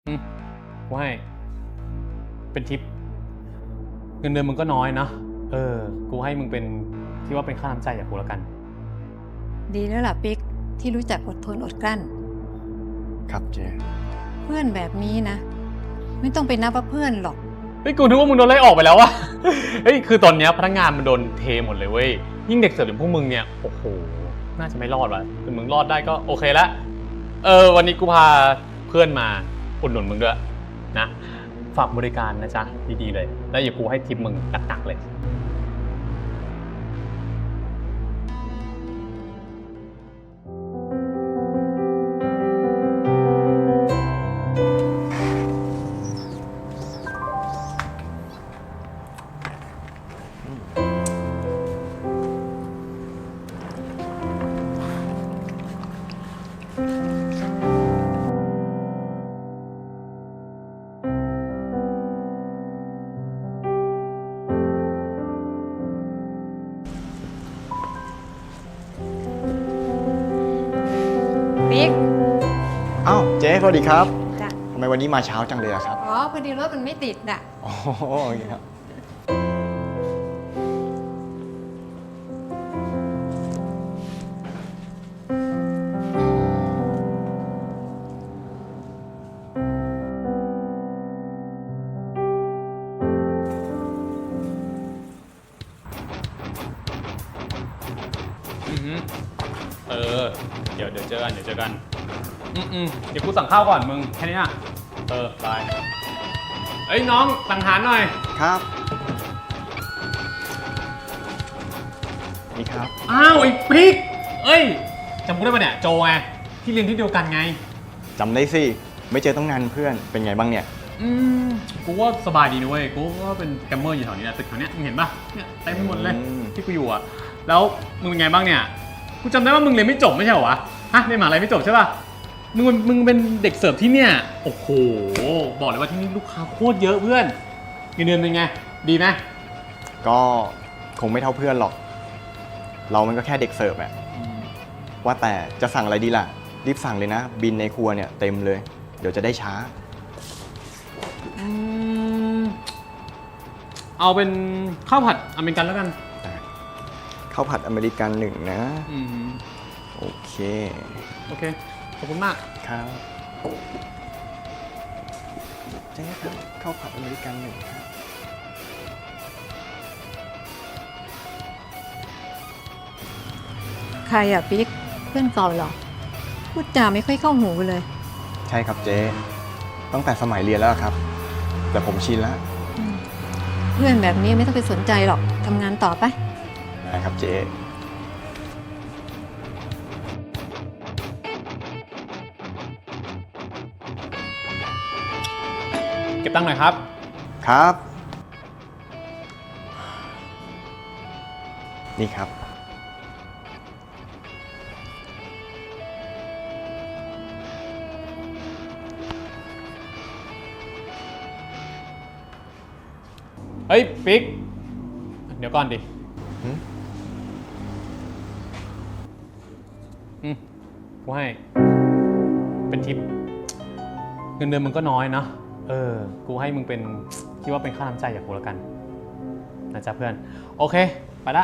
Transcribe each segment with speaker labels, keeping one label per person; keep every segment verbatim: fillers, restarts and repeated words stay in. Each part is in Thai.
Speaker 1: อืมกูให้เป็นทิปเงินเดือนมึงก็น้อยนะเออกูให้มึงเป็นที่ว่าเป็นค่าน้ำใจจากกูแล้วกัน
Speaker 2: ดีแล้วล่ะปิ๊กที่รู้จักอดทนอดกลั้น
Speaker 3: ครับเจ๊
Speaker 2: เพื่อนแบบนี้นะไม่ต้องไปนับว่าเพื่อนหรอก
Speaker 1: เฮ้ยกูนึกว่ามึงโดนไล่ออกไปแล้ววะ เฮ้ยคือตอนเนี้ยพนักงานมันโดนเทหมดเลยเว้ยยิ่งเด็กเสิร์ฟอย่างพวกมึงเนี่ยโอ้โหน่าจะไม่รอดว่ะแต่มึงรอดได้ก็โอเคละเออวันนี้กูพาเพื่อนมาอุดหนุนมึงด้วยนะฝากบริการนะจ๊ะดีๆเลยแล้วอย่ากูให้ทิปมึงหนักๆเลย
Speaker 2: ปิ๊ก
Speaker 3: อ้าวเจ๊สวัสดีครับ
Speaker 2: จ้ะ
Speaker 3: ทำไมวันนี้มาเช้าจังเลยอะครับ
Speaker 2: อ๋อพอดีรถมันไม่ติดอ่ะ
Speaker 3: อ๋อโอเคครับ
Speaker 1: อือหือเออเดี๋ยวเดี๋ยวเจอกันเดี๋ยวเจอกันอืมอืมเดี๋ยวกูสั่งข้าวก่อนมึงแค่นี้อ่ะเออบายเอ้ยน้องสั่งอาหารหน่อย
Speaker 3: ครับนี่ครับ
Speaker 1: อ้าวไอ้ปิ๊กเอ้ยจำกูได้ปะเนี่ยโจไงที่เรียนที่เดียวกันไง
Speaker 3: จำได้สิ ไม่เจอต้องนานเพื่อน เป็นไงบ้างเนี่ย
Speaker 1: อืมกูว่าสบายดีนะเว้ยกูว่าเป็นแกมเมอร์อยู่แถวนี้นะตึกแถวเนี้ยมึงเห็นปะเนี่ยเต็มไปหมดเลย
Speaker 3: อืม
Speaker 1: ที่กูอยู่อะแล้วมึงเป็นไงบ้างเนี่ยกูจำได้ว่ามึงเรียนไม่จบไม่ใช่เหรอวะฮะเรียนมหาลัยไม่จบใช่ปะมึงมึงเป็นเด็กเสิร์ฟที่เนี่ยโอ้โหบอกเลยว่าที่นี่ลูกค้าโคตรเยอะเพื่อนเงินเดือนเป็นไงดีไหม
Speaker 3: ก็คงไม่เท่าเพื่อนหรอก เรามันก็แค่เด็กเสิร์ฟอะว่าแต่จะสั่งอะไรดีล่ะ รีบสั่งเลยนะ บินในครัวเนี่ยเต็มเลย เดี๋ยวจะได้ช้า
Speaker 1: อืมเอาเป็นข้าวผัดอเมริกันแล้วกัน
Speaker 3: ข้าวผัดอเมริกันหนึ่งนะ
Speaker 1: อืม
Speaker 3: โอเค
Speaker 1: โอเคขอบคุณมาก
Speaker 3: ครับเจ๊ครับข้าวผัดอเมริกันหนึ่งครับ
Speaker 2: ใครอ่ะปิ๊กเพื่อนเก่าเหรอพูดจาไม่ค่อยเข้าหูเลย
Speaker 3: ใช่ครับเจ๊ตั้งแต่สมัยเรียนแล้วครับ แต่ผมชินแล้ว
Speaker 2: อืมเพื่อนแบบนี้ไม่ต้องไปสนใจหรอกทำงานต่อไป
Speaker 3: นะครับเจ๊
Speaker 1: เก็บตังค์หน่อยครับ
Speaker 3: ครับ นี่ครับ
Speaker 1: เฮ้ยปิ๊กเดี๋ยวก่อนดิ
Speaker 3: หืม
Speaker 1: อืมกูให้เป็นทิปเงินเดือนมึงก็น้อยนะเออกูให้มึงเป็นคิดว่าเป็นค่าน้ำใจจากกูแล้วกันนะจ๊ะเพื่อนโอเคไปละ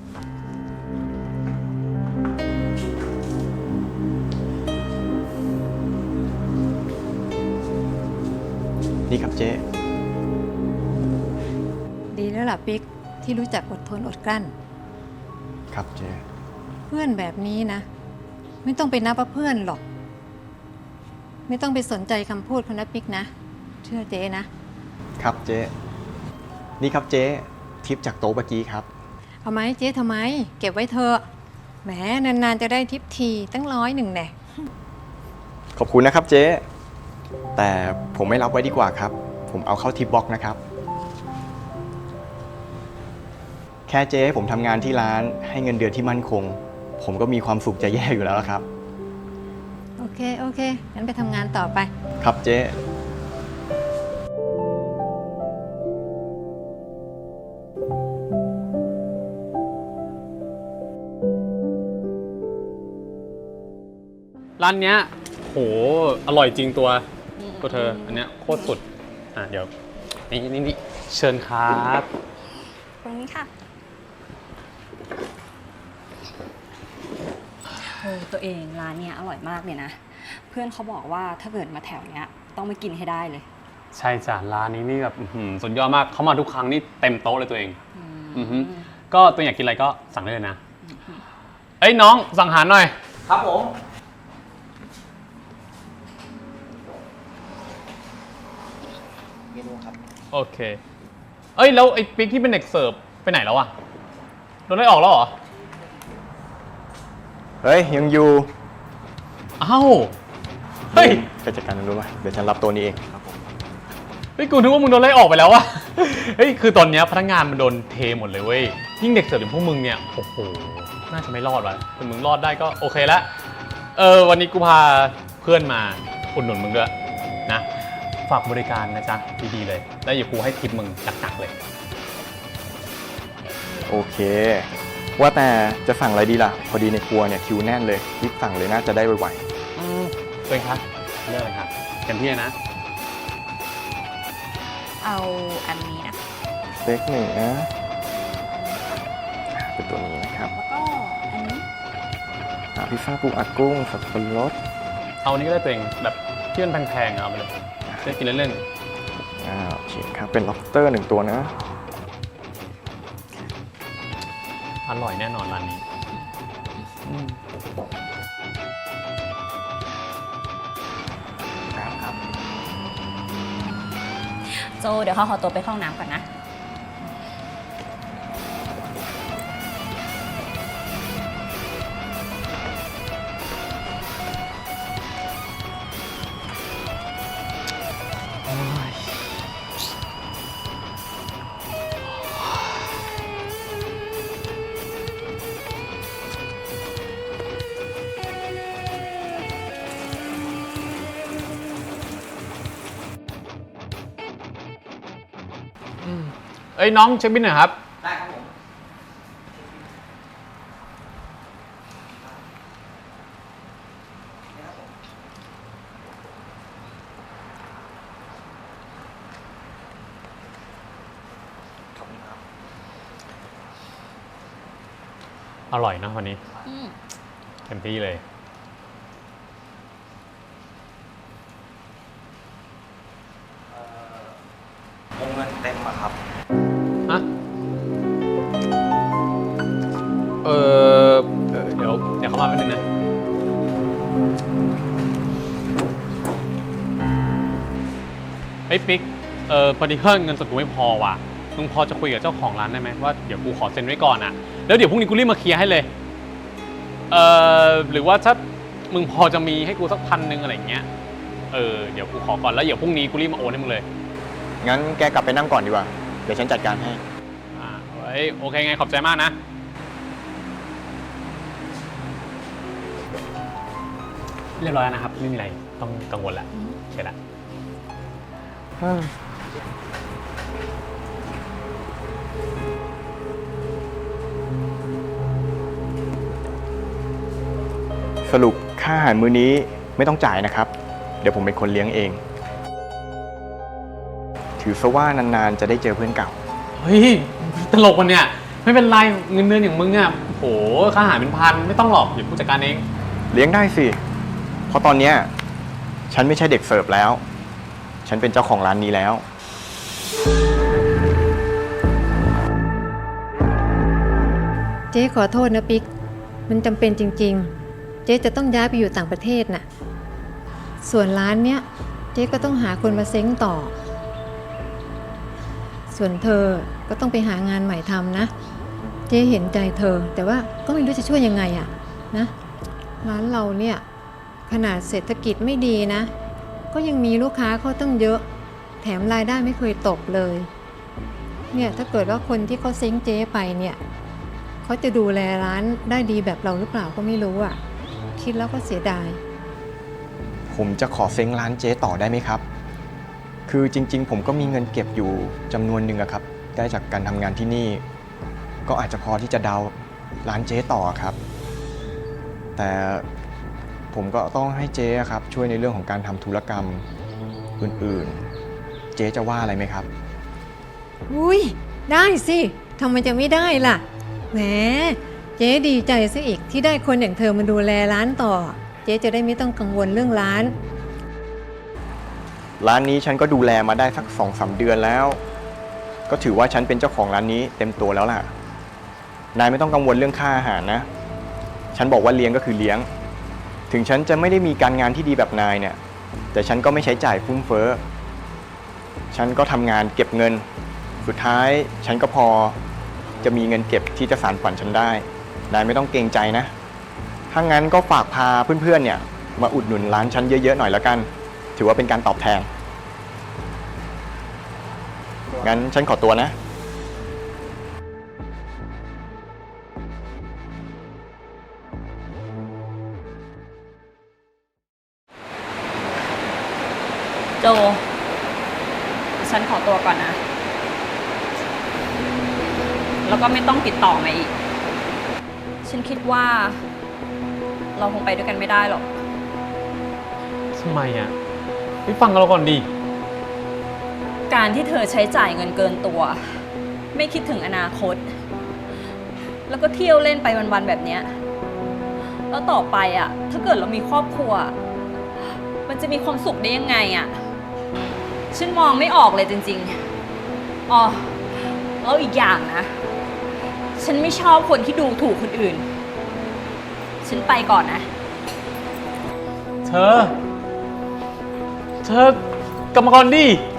Speaker 3: นี่ครับเจ๊
Speaker 2: ดีแล้วล่ะปิ๊กที่รู้จักอดทนอดกลั้น
Speaker 3: ครับเจ๊
Speaker 2: เพื่อนแบบนี้นะไม่ต้องไปนับว่าเพื่อนหรอก ไม่ต้องไปสนใจคำพูดเขานะปิ๊กนะเชื่อเจ๊นะครับ
Speaker 3: เจ๊ นี่ครับเจ๊ทิปจากโต๊ะเมื่อกี้ครับ
Speaker 2: เอาไหมเจ๊ทำไม เก็บไว้เถอะแหมนานๆจะได้ทิปทีตั้งร้อยหนึ่งแน่
Speaker 3: ขอบคุณนะครับเจ๊ แต่ผมไม่รับไว้ดีกว่าครับ ผมเอาเข้าทิปบ็อกซ์นะครับ แค่เจ๊ให้ผมทำงานที่ร้านให้เงินเดือนที่มั่นคง ผมก็มีความสุขจะแย่อยู่แล้วครับ
Speaker 2: โอเคโอเคงั้นไปทำงานต่อไป
Speaker 3: ครับเจ๊
Speaker 1: ร้านเนี้ยโหอร่อยจริงตัวตัวเธออันเนี้ยโคตรสุดอ่ะเดี๋ยวนี่นี่นี่เชิญครับ
Speaker 4: ตรงนี้ค่ะโอ้ตัวเองร้านเนี้ยอร่อยมากเลยนะเพื่อนเขาบอกว่าถ้าเกิดมาแถวเนี้ยต้องไปกินให้ได้เลย
Speaker 1: ใช่จ้ะร้านนี้นี่แบบอื้อหือสุดยอดมากเขามาทุกครั้งนี่เต็มโต๊ะเลยตัวเองอือฮึก็ตัวอยากกินอะไรก็สั่งได้เลยนะเอ้ยน้องสั่งอาหารหน่อยครับผมเมนูครับโอเคเอ้ยแล้วไอ้ปิ๊กที่เป็นเด็กเสิร์ฟไปไหนแล้วอะโดนไล่ออกแล้วเหรอ
Speaker 3: เฮ้ยยังอยู่
Speaker 1: อ้าวเฮ้ย
Speaker 3: ไปจัดการมันรู้ไหมเดี๋ยวฉันรับตัวนี้เองครับผม
Speaker 1: เฮ้ยกูนึกว่ามึงโดนไล่ออกไปแล้วอะเฮ้ยคือตอนเนี้ยพนักงานมันโดนเทหมดเลยเว้ยยิ่งเด็กเสิร์ฟอย่างพวกมึงเนี่ยโอ้โหน่าจะไม่รอดว่ะแต่มึงรอดได้ก็โอเคละเออวันนี้กูพาเพื่อนมาอุดหนุนมึงด้วยนะฝากบริการนะจ๊ะดีๆเลยแล้วอย่ากูให้ทิปมึงหนักๆเลย
Speaker 3: โอเคว่าแต่จะสั่งอะไรดีล่ะพอดีในครัวเนี่ยคิวแน่นเลยรีบสั่งเลยน่าจะได้ไวๆ
Speaker 1: อืมเป็นครับเลือกเลยครับเต็มที่นะ
Speaker 4: เอาอันนี้นะ
Speaker 3: สเต็กหนึ่งนะเป็นตัวนี้นะครับ
Speaker 4: แล้วก็อันนี้
Speaker 3: พิซซ่าปูอัดกุ้งสับปะรด
Speaker 1: เอาอันนี้ก็ได้ตัวเองแบบที่มันแพงๆเอาไปเลยได้กินเล่น
Speaker 3: ๆอ่าโอเคครับเป็น lobster หนึ่งตัวนะ
Speaker 1: อร่อยแน่นอนร้านนี้
Speaker 3: ครับ
Speaker 4: โจเดี๋ยวเขาขอตัวไปเข้าห้องน้ำก่อนนะ
Speaker 1: เอ้ยน้องเช็คบิลหน่อยครับได้ครับผมขอบคุณครับอร่อยนะวันนี้เต็มที่เลย
Speaker 3: วงเงินเต็มอะครับ
Speaker 1: ฮะเออเดี๋ยวเดี๋ยวเข้ามาแป๊บนึงนะไอ้ปิ๊กเออพอดีเพื่อนเงินสดกูไม่พอว่ะมึงพอจะคุยกับเจ้าของร้านได้ไหมว่าเดี๋ยวกูขอเซ็นไว้ก่อนอะแล้วเดี๋ยวพรุ่งนี้กูรีบมาเคลียร์ให้เลยเออหรือว่าถ้ามึงพอจะมีให้กูสักพันหนึ่งอะไรอย่างเงี้ยเออเดี๋ยวกูขอก่อนแล้วเดี๋ยวพรุ่งนี้กูรีบมาโอนให้มึงเลย
Speaker 3: งั้นแกกลับไปนั่งก่อนดีกว่าเดี๋ยวฉันจัดการให้
Speaker 1: อ่าเฮ้ยโอเคไงขอบใจมากนะเรียบร้อยแล้วนะครับไม่มีอะไรต้องกังวลแล้วใช่ละ
Speaker 3: สรุปค่าอาหารมื้อนี้ไม่ต้องจ่ายนะครับเดี๋ยวผมเป็นคนเลี้ยงเองถือซะว่านานๆจะได้เจอเพื่อนเก่า
Speaker 1: เฮ้ยตลกวันเนี่ยไม่เป็นไรเงินเดือนอย่างมึงอ่ะโหค่าอาหารเป็นพันไม่ต้องหรอกเดี๋ยวผู้จัดการเอง
Speaker 3: เลี้ยงได้สิเพราะตอนเนี้ยฉันไม่ใช่เด็กเสิร์ฟแล้วฉันเป็นเจ้าของร้านนี้แล้ว
Speaker 2: เจ๊ขอโทษนะปิ๊กมันจำเป็นจริงๆเจ๊จะต้องย้ายไปอยู่ต่างประเทศน่ะส่วนร้านเนี้ยเจ๊ก็ต้องหาคนมาเซ้งต่อส่วนเธอก็ต้องไปหางานใหม่ทำนะเจ๊เห็นใจเธอแต่ว่าก็ไม่รู้จะช่วยยังไงอะนะร้านเราเนี่ยขนาดเศรษฐกิจไม่ดีนะก็ยังมีลูกค้าเข้าตั้งเยอะแถมรายได้ไม่เคยตกเลยเนี่ยถ้าเกิดว่าคนที่เขาเซ้งเจ๊ไปเนี่ยเขาจะดูแลร้านได้ดีแบบเราหรือเปล่าก็ไม่รู้อ่ะคิดแล้วก็เสียดาย
Speaker 3: ผมจะขอเซ้งร้านเจ๊ต่อได้ไหมครับคือจริงๆผมก็มีเงินเก็บอยู่จำนวนหนึ่งอะครับได้จากการทำงานที่นี่ก็อาจจะพอที่จะดาวร้านเจ๊ต่อครับแต่ผมก็ต้องให้เจ๊ครับช่วยในเรื่องของการทำธุรกรรมอื่นๆ เจ๊จะว่าอะไรไหมครับ
Speaker 2: อุ้ยได้สิทำไมจะไม่ได้ล่ะแหมเจ๊ดีใจซะอีกที่ได้คนอย่างเธอมาดูแลร้านต่อ เจ๊จะได้ไม่ต้องกังวลเรื่องร้าน
Speaker 3: ร้านนี้ฉันก็ดูแลมาได้สักสองสามเดือนแล้ว ก็ถือว่าฉันเป็นเจ้าของร้านนี้เต็มตัวแล้วล่ะ นายไม่ต้องกังวลเรื่องค่าอาหารนะ ฉันบอกว่าเลี้ยงก็คือเลี้ยง ถึงฉันจะไม่ได้มีการงานที่ดีแบบนายเนี่ย แต่ฉันก็ไม่ใช้จ่ายฟุ่มเฟ้อ ฉันก็ทำงานเก็บเงิน สุดท้ายฉันก็พอจะมีเงินเก็บที่จะสานฝันฉันได้ นายไม่ต้องเกรงใจนะ ถ้างั้นก็ฝากพาเพื่อนๆเนี่ยมาอุดหนุนร้านฉันเยอะๆหน่อยแล้วกัน ถือว่าเป็นการตอบแทน งั้นฉันขอตัวนะ
Speaker 4: โจ ฉันขอตัวก่อนนะ แล้วก็ไม่ต้องติดต่อมาอีก ฉันคิดว่าเราคงไปด้วยกันไม่ได้หรอก
Speaker 1: ทำไมอ่ะไปฟังเราก่อนดิ
Speaker 4: การที่เธอใช้จ่ายเงินเกินตัว ไม่คิดถึงอนาคต แล้วก็เที่ยวเล่นไปวันๆแบบเนี้ยแล้วต่อไปอ่ะ ถ้าเกิดเรามีครอบครัว มันจะมีความสุขได้ยังไงอ่ะ ฉันมองไม่ออกเลยจริงๆอ๋อแล้วอีกอย่างนะ ฉันไม่ชอบคนที่ดูถูกคนอื่น ฉันไปก่อนนะ
Speaker 1: เธอ เธอกลับมาก่อนดิ